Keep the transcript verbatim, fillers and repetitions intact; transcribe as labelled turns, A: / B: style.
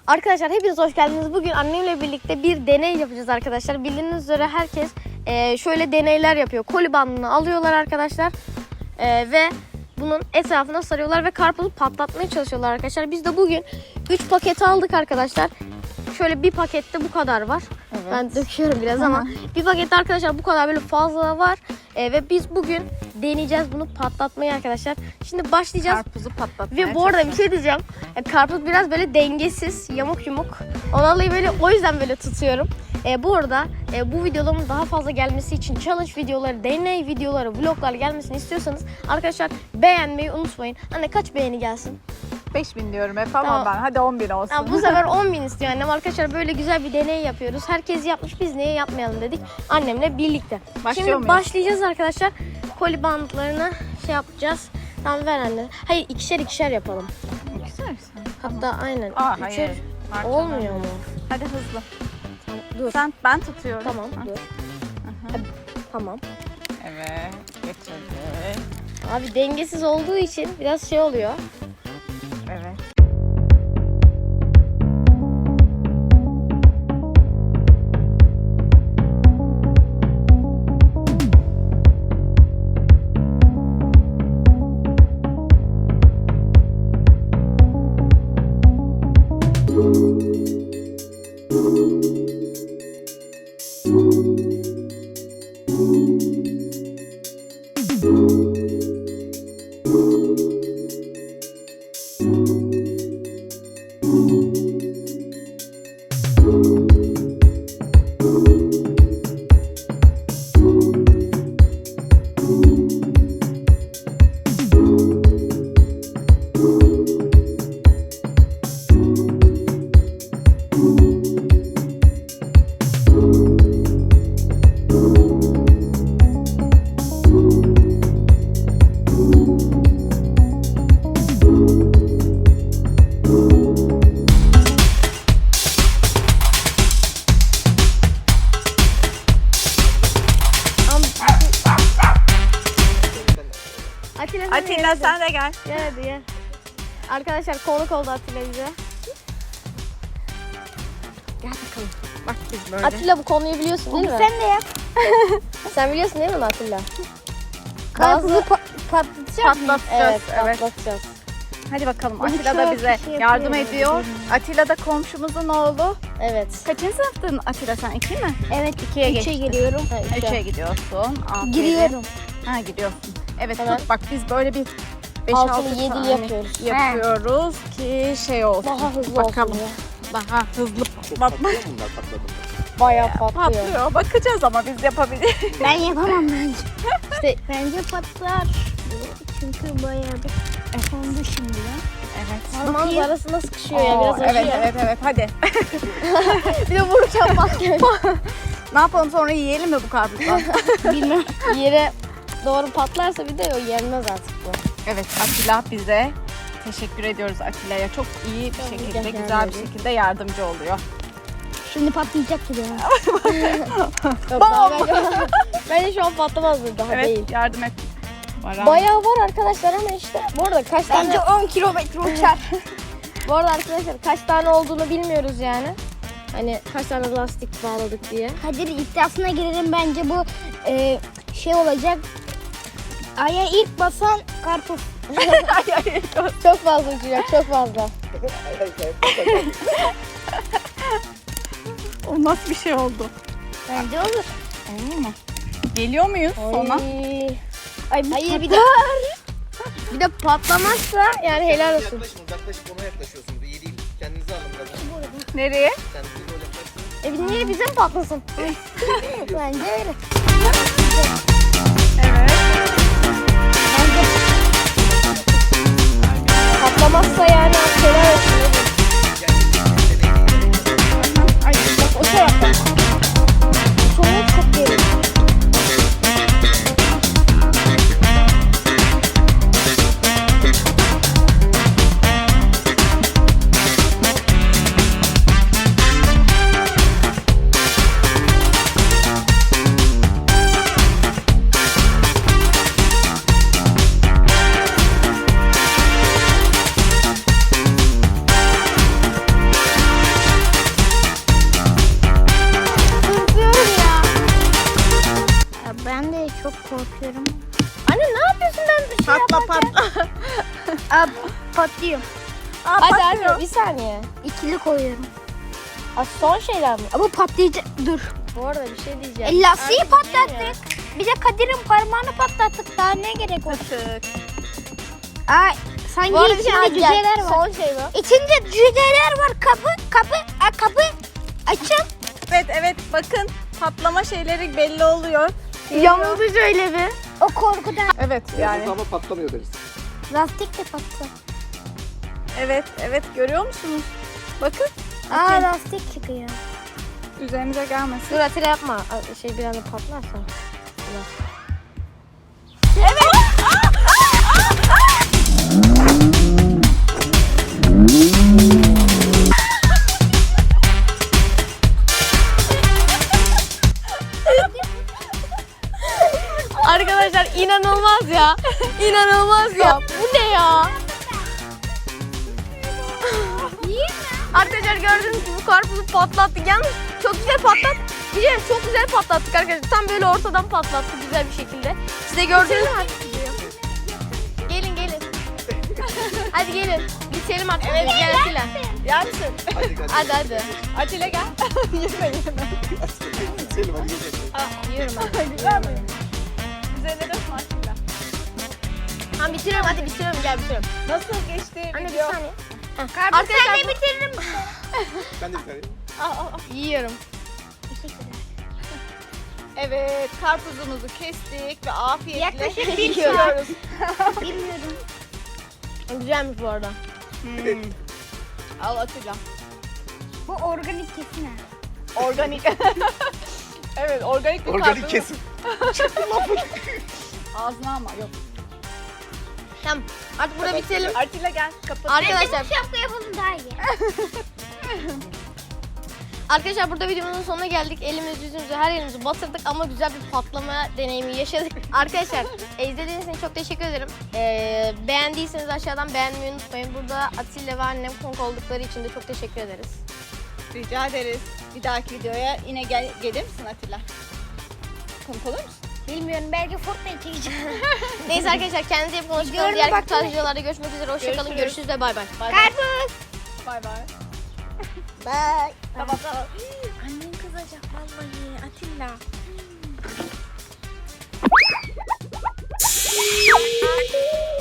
A: Arkadaşlar hepiniz hoş geldiniz. Bugün annemle birlikte bir deney yapacağız arkadaşlar. Bildiğiniz üzere herkes e, şöyle deneyler yapıyor. Koli bandını alıyorlar arkadaşlar e, ve bunun etrafına sarıyorlar ve karpuzu patlatmaya çalışıyorlar arkadaşlar. Biz de bugün üç paket aldık arkadaşlar. Şöyle bir pakette bu kadar var. Evet. Ben döküyorum biraz ama bir pakette arkadaşlar bu kadar böyle fazla var. E, ve biz bugün deneyeceğiz bunu patlatmayı arkadaşlar. Şimdi başlayacağız.
B: Karpuzu patlatmaya.
A: Ve bu arada bir şey diyeceğim. E, karpuz biraz böyle dengesiz, yamuk yumuk. Ondan böyle o yüzden böyle tutuyorum. E, bu arada e, bu videoların daha fazla gelmesi için challenge videoları, deney videoları, vloglar gelmesini istiyorsanız arkadaşlar beğenmeyi unutmayın. Anne kaç beğeni gelsin?
B: beş bin diyorum hep ama
A: Tamam.
B: ben. Hadi on bin olsun.
A: Ya, bu sefer on bin istiyor annem. Arkadaşlar böyle güzel bir deney yapıyoruz. Herkes yapmış, biz niye yapmayalım dedik annemle birlikte.
B: Başlıyor
A: Şimdi
B: muyuz?
A: başlayacağız arkadaşlar. Koli bandlarını şey yapacağız. Tamam ver anne. Hayır ikişer ikişer yapalım.
B: Güzel.
A: Hatta aynen.
B: Aa,
A: Üçer
B: hayır. Parçalar.
A: olmuyor mu?
B: Hadi hızlı.
A: Tamam, dur.
B: Sen, ben tutuyorum.
A: Tamam
B: Ha.
A: dur. Hadi, tamam.
B: Evet. Geçirdik.
A: Abi dengesiz olduğu için biraz şey oluyor.
B: Evet.
A: Atilla, sen
B: Atilla sen de gel.
A: Gel hadi gel. Arkadaşlar konuk oldu Atilla bize.
B: Gel bakalım. Bak biz böyle.
A: Atilla bu konuyu biliyorsun değil mi?
C: Sen de yap.
A: Sen biliyorsun değil mi Atilla?
C: Karpuzu
A: Bazı-
C: pa- patlatacak mıyız?
B: Patlatacağız.
A: Evet,
B: Evet.
A: patlatacağız.
B: Hadi bakalım.
C: Bu
B: Atilla da
C: çok
B: bize
C: şey
B: yardım
C: yapıyor.
B: ediyor. Atilla da komşumuzun oğlu.
A: Evet.
B: Kaçıncı sınıftın Atilla sen? İki mi?
C: Evet,
B: İkiye
C: üçe
B: geçtin.
C: giriyorum.
A: Ha, üçe.
B: Üçe gidiyorsun. Aferin.
C: Giriyorum.
B: Ha gidiyorsun. Evet
A: Tamam.
B: tut bak biz böyle bir beş
A: Altını
B: altı
A: yedili
B: tane
A: yapıyoruz.
B: yapıyoruz ki şey olsun.
A: Daha hızlı
B: Bakalım.
A: olsun ya.
B: Daha hızlı patlatma.
A: Bayağı patlıyor.
B: Patlıyor. Bakacağız ama biz yapabiliriz.
C: Ben yapamam bence.
A: İşte
C: Bence patlar. Çünkü bayağı bir kondu şimdi ya.
B: Evet.
A: parmağımız arasında sıkışıyor ya
B: Oo,
A: biraz acıyor.
B: evet evet evet hadi.
A: Bir de vuracağım patlıyor.
B: Ne yapalım sonra yiyelim mi bu karpuzdan?
C: Bilmem.
A: Yere doğru patlarsa bir de o yenmez artık bu.
B: Evet Atilla bize teşekkür ediyoruz Atilla'ya. Çok iyi bir
A: Tabii,
B: şekilde
A: rica
B: güzel bir
A: ederim.
B: şekilde yardımcı oluyor.
C: Şimdi patlayacak gibi ya.
A: Yok, daha bence, bence şu an patlamaz bu daha
B: Evet
A: değil.
B: yardım et. Baran.
A: Bayağı var arkadaşlar ama işte bu arada kaç tane
C: Bence on kilometre uçar.
A: bu arada arkadaşlar kaç tane olduğunu bilmiyoruz yani. Hani kaç tane lastik bağladık diye.
C: Kadir iddiasına girelim, bence bu e, şey olacak. Aya ilk basan karpuz.
A: Çok fazla uçacak, çok fazla.
B: O nasıl bir şey oldu?
C: Bence olur.
B: Olur mu? Geliyor muyuz sona?
A: Ay.
C: Ay,
A: Hayır bir de bir de patlamazsa yani helal olsun.
D: Yaklaşın, uzaklaşıp ona yaklaşıyorsunuz. İyi değil. Kendinizi alın biraz.
B: Nereye?
D: Kendinizi böyle yaklaşın.
A: E niye bize mi patlasın?
C: Bence öyle.
B: Evet.
A: Patlamazsa yani helal olsun.
B: Ay bak o taraftan.
A: Sonu çok geri.
C: yapıyorum.
A: Anne ne yapıyorsun ben bir şey
B: Patla
A: yaparken?
B: patla.
C: Aa, patlıyor.
B: Aa,
A: Hadi
B: patlıyor.
A: hadi bir saniye.
C: İkili koyuyorum.
A: Aa, son şeyler mi?
C: Ama patlayacak. Dur.
A: Bu arada bir şey diyeceğim.
C: E, lastiği
A: Artık değil ya.
C: patlattık. Bize Kadir'in parmağını patlattık. Daha ne gerek var?
B: Tık.
C: Ay, sanki
A: Bu arada bir şey
C: içinde
A: diyeceğim.
C: cüceler var.
A: Son şey bu.
C: İçinde cüceler var. Kapı, kapı, a, kapı açın.
B: Evet evet bakın patlama şeyleri belli oluyor.
A: Yamuldu şöyle bir.
C: O korkudan.
B: Evet yani.
D: Ama patlamıyor deriz.
C: Lastik de patladı.
B: Evet evet görüyor musunuz? Bakın
C: Aa, lastik çıkıyor.
B: üzerimize gelmesin.
A: Dur Atilla yapma. Ay, Şey bir anda patlarsa. Arkadaşlar inanılmaz ya. İnanılmaz ya. Bu ne ya? Arkadaşlar gördüğünüz gibi bu karpuzu patlattık. Yalnız çok güzel patlat. Diyeceğim çok güzel patlattık arkadaşlar. Tam böyle ortadan patlattık güzel bir şekilde. Size gördünüz mü? Gelin gelin. Hadi gelin. Bitirelim artık. Evet gel Atilla.
B: Yansın.
D: Hadi hadi.
A: Hadi hadi.
B: Atilla gel. yeme yeme.
D: Selim hadi geçelim.
A: Yiyorum ben.
B: Güzel mi? Üzerine dökme Atilla.
A: Tamam bitiriyorum hadi bitiriyorum gel bitiriyorum.
B: Nasıl geçti
A: Anne bir
B: video?
A: saniye.
C: Karpuz sen de
A: bu-
C: bitiririm.
D: Ben de bir tane.
B: Aa, aa.
A: Yiyorum.
B: Evet karpuzumuzu kestik ve afiyetle
C: Yaklaşık bir
B: yiyoruz.
C: Bilmiyorum.
A: Güzelmiş bu arada.
B: Hmm. Al Atilla.
C: Bu organik kesin ha.
B: Organik. Evet organik bir
D: Organik
B: karpuz.
D: kesim.
B: Ağzına ama yok.
A: Tamam artık burada bitirelim.
B: Atilla gel kapat.
A: Arkadaşlar
C: Bu şapka yapalım daha iyi.
A: Arkadaşlar burada videomuzun sonuna geldik. Elimiz yüzümüzü her yerimizi batırdık ama güzel bir patlama deneyimi yaşadık. Arkadaşlar e, izlediğiniz için çok teşekkür ederim. E, beğendiyseniz aşağıdan beğenmeyi unutmayın. Burada Atilla ve annem konuk oldukları için de çok teşekkür ederiz.
B: Rica ederiz. Bir dahaki videoya yine gel gelir misin Atilla? Konuk olur musun?
C: Bilmiyorum, belki Fortnite çekeceğim.
A: Neyse arkadaşlar kendinize iyi bakın.
C: Videolarına
A: Diğer
C: bakmayın.
A: tarz videolarda görüşmek üzere. Hoşçakalın.
B: Görüşürüz.
A: Görüşürüz ve bay bay.
B: Bay bay.
C: Karpuz.
B: Bay bay.
C: Bye.
B: Tamam tamam. Annen kızacak vallahi Atilla.